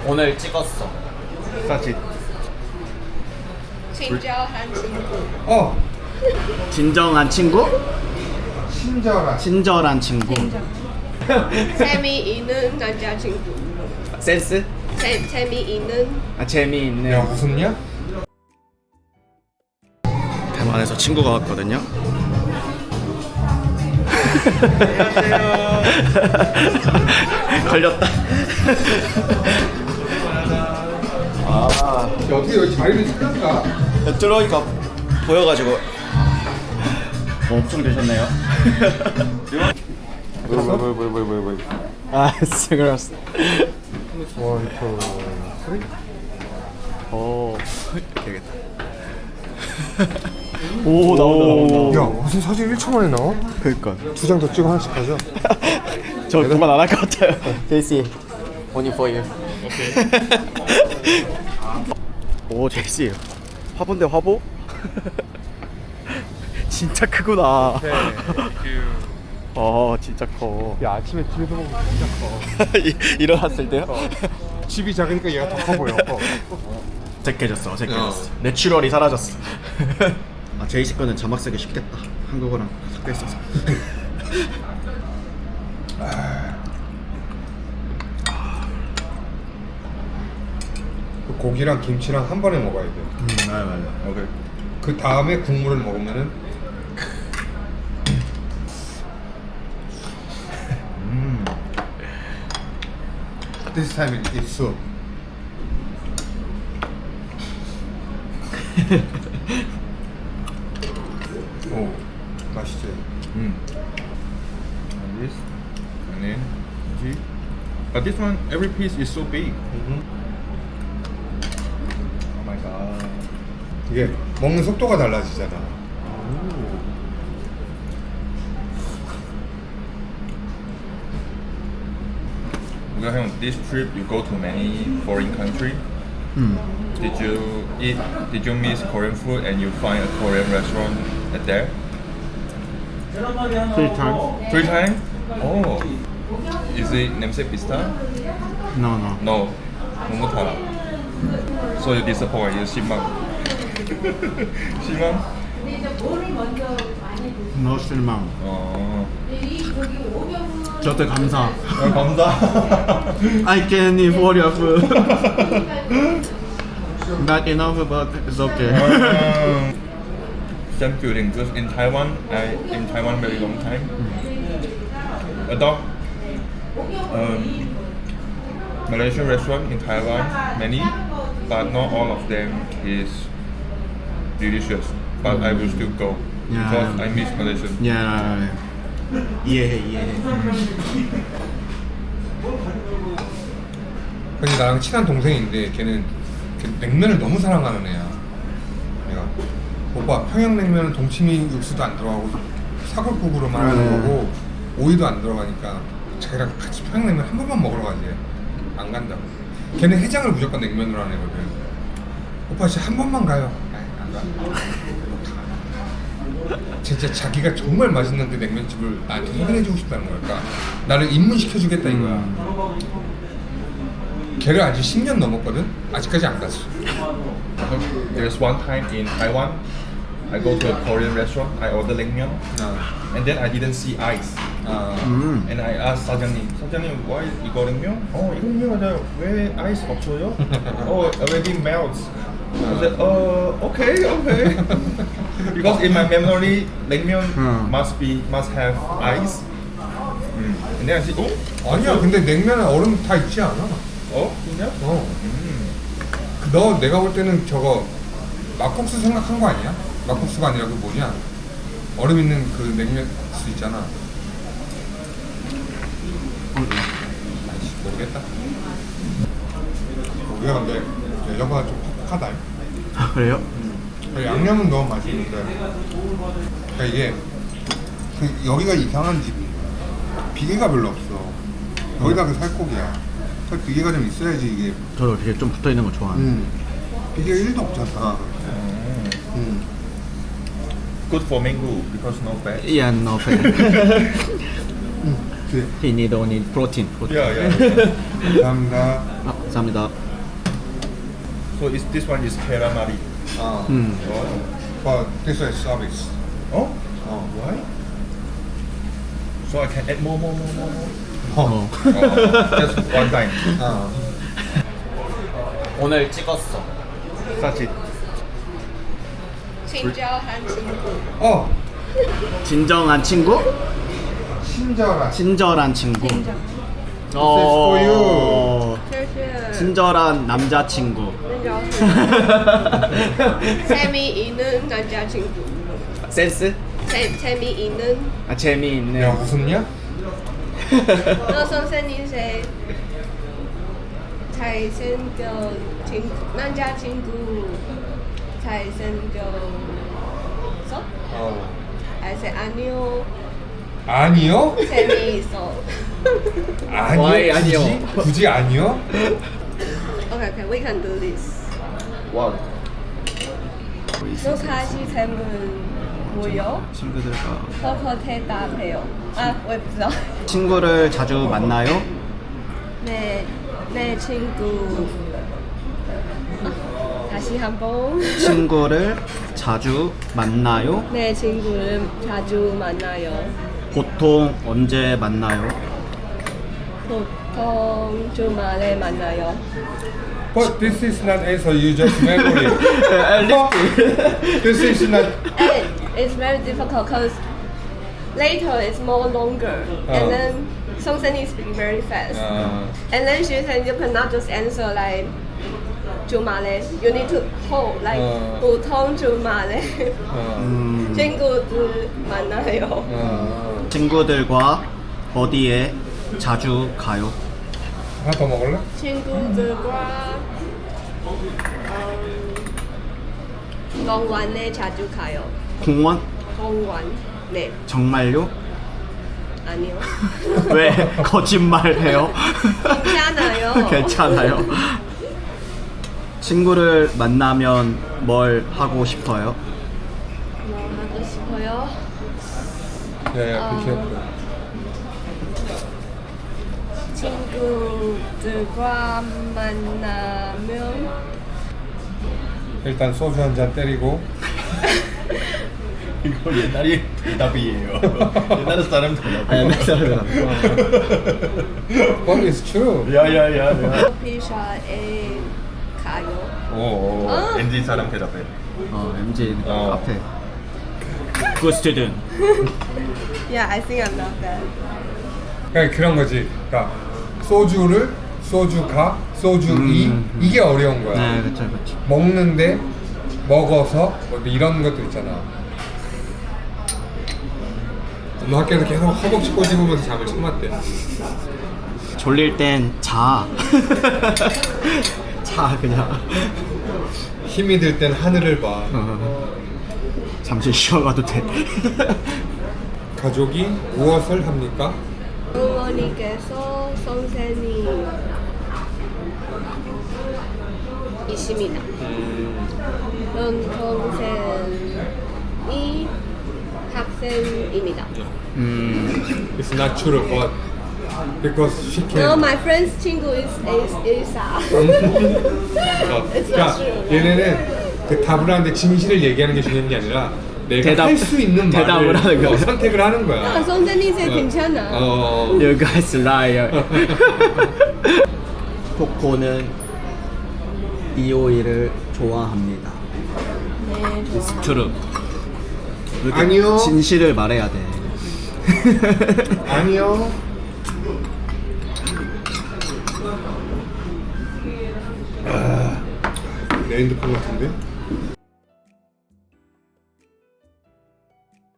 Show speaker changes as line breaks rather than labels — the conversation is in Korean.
오늘 찍었어.
사진.
친절한 친구.
진정한 친구?
친절한.
친절한 친구.
재미있는 남자친구.
센스?
재미있는.
아 재미있네.
야 웃음냐?
대만에서 친구가 왔거든요. 걸렸다. 아,
야 어떻게 여기 자리를 찾았까?
들어오니까 보여가지고 엄청 되셨네요.
왜?
아, 스그러스.
원, 투, 쓰리.
오, 이렇게 해야겠다. 오, 나온다.
야 무슨 사진 1초 만에 나와?
그니까.
2장 더 찍어 하나씩 하자.
저 그만 안 할 것 같아요. 제이씨, only for you. 오, 제이씨. 화보인데 화보? 진짜 크구나. 진짜 커.
야 아침에 집에서 보면 진짜 커.
일어났을 때요?
집이 작으니까 얘가 더 커 보여.
어색해졌어. 내추럴이 사라졌어. 아, 제이씨 거는 자막 쓰기 쉽겠다. 한국어랑 섞여 있어서.
고기랑 김치랑 한 번에 먹어야 돼.
맞아.
오케이. 그 다음에 국물을 먹으면은 This time it's soup. 오, 맛있지.
And this, and then G. But this one, every piece is so big. Oh my god.
이게 먹는 속도가 달라지잖아.
Because on this trip, you go to many foreign country. Did you eat? Did you miss Korean food and you find a Korean restaurant at there?
3 times?
3 times? Oh. Is it namesake pista?
No.
No. Momotara. So you disappoint. You 실망. 실망?
No 실망.
어.
저때 감사.
감사.
I can't eat for your food. Not enough, but it's okay.
Same feeling. Because in Taiwan very long time. Adopt Malaysian restaurant in Taiwan many, but not all of them is delicious. But I will still go because I miss Malaysian.
Yeah. 이해해.
근데 나랑 친한 동생인데 걔는 냉면을 너무 사랑하는 애야. 내가 오빠 평양냉면은 동치미 육수도 안 들어가고 사골국으로만 하는 거고 오이도 안 들어가니까 자기랑 같이 평양냉면 한 번만 먹으러 가지. 안 간다고. 걔는 해장을 무조건 냉면으로 하는 애거든. 오빠 진짜 한 번만 가요. 아이, 안 가. 진짜 자기가 정말 맛있는 그 냉면집을 나한테 소개해주고 싶다는 걸까? 나를 입문시켜주겠다 이거야. 걔를 아직 10년 넘었거든? 아직까지 안 갔어.
There's one time in Taiwan, I go to a Korean restaurant. I order naengmyeon, and then I didn't see ice. And I asked 사장님, why 이거 냉면? 이거 냉면 맞아요. 왜 ice 없어요? Already melts. I said, okay. Because in my memory, 냉면 must have ice. And then I said,
아니야, 근데 냉면에 얼음 다 있지 않아?
진짜?
내가 볼 때는 저거 막국수 생각한 거 아니야? 막국수가 아니라 그 뭐냐? 얼음 있는 그 냉면수 있잖아. 아이씨, 모르겠다. 우리가 근데 여자가 좀 퍽퍽하다.
아, 그래요?
양념은 너무 맛있는데 그러니까 이게 여기가 이상한 집인 거야. 비계가 별로 없어. 거기다 그 살코기야. 비계가 좀 있어야지 이게.
저도 되게 좀 붙어 있는 거 좋아하는.
비계가 1도 없잖아.
Good for mango because no fat.
Yeah, no fat. He need only protein.
Yeah, yeah.
감사합니다.
아, 감사합니다.
So is this one is calamari?
음.
Oh.
But this is service.
Oh?
어.
Why? So I can add more.
어.
Oh, just one time.
어.
오늘 찍었어.
Such it.
친절한 친구.
어.
진정한 친구?
친절한.
친절한 친구.
친절.
for you.
谢谢。
친절한 남자친구.
재미있는 남자친구.
센스?
재미있는.
아 재미있네.
야 웃었냐?
너 선생님의 잘생겨 남자친구 잘생겼어?
어.
아니요.
아니요?
재미있어.
아니요?
Why 아니요?
굳이 아니요?
Okay, we can do this.
와.
너 사실 질문 뭐요?
친구들과
커커 대답해요. 아, 我也不知道.
친구를 자주 만나요?
내 친구. 다시 한번.
친구를 자주 만나요?
내 친구를 자주 만나요.
보통 언제 만나요?
보통 주말에 만나요.
But this is not answer. You just memory. This is not.
And it's very difficult because later it's more longer. And then something speak very fast. And then she said you cannot just answer like 주말에. You need to hold like 보통 주말에. 친구들 만나요.
친구들과 어디에 자주 가요?
하나 더 먹을래?
친구들과 공원에 자주 가요.
공원?
공원. 네.
정말요?
아니요.
왜 거짓말해요?
괜찮아요.
괜찮아요. 친구를 만나면 뭘 하고 싶어요?
뭐 하고 싶어요?
야야 비켜.
친구들과 만나면
일단 소주 한 잔 때리고.
이거 옛날이 대답이에요. 옛날 사람 대답.
옛날 사람.
But it's true.
야야야.
커피숍에 가요.
오. 엔진 사람 대답해.
MG
어.
카페. Good student.
Yeah, I think I'm not bad.
그러니까 그런 거지. 그러니까 소주를 소주가 소주이 이게 어려운 거야.
네, 그렇죠, 그렇죠.
먹는데 먹어서 뭐 이런 것도 있잖아. 너 학교에서 계속 허벅지 꼬집으면서 잠을 참았대.
졸릴 땐 자. 자 그냥.
힘이 들 땐 하늘을 봐.
잠시 쉬어가도 돼.
가족이 무엇을 합니까?
어머니께서 선생님 이십니다. 동생이 학생입니다.
It's not true, but because she
No,
can.
my friend's 친구 is Elsa. It's not
그러니까
true.
얘네는 그 답을 하는데 진실을 얘기하는 게 중요한 게 아니라 내가
대답-
할 수 있는
대답을
말을
하는 거야.
선택을 하는 거야.
아, 선생님 제 괜찮아.
You guys liar. 코코는 이오이를 좋아합니다.
네,
It's true. 이렇게
아니요.
진실을 말해야 돼.
아니요. 내 핸드폰 같은데?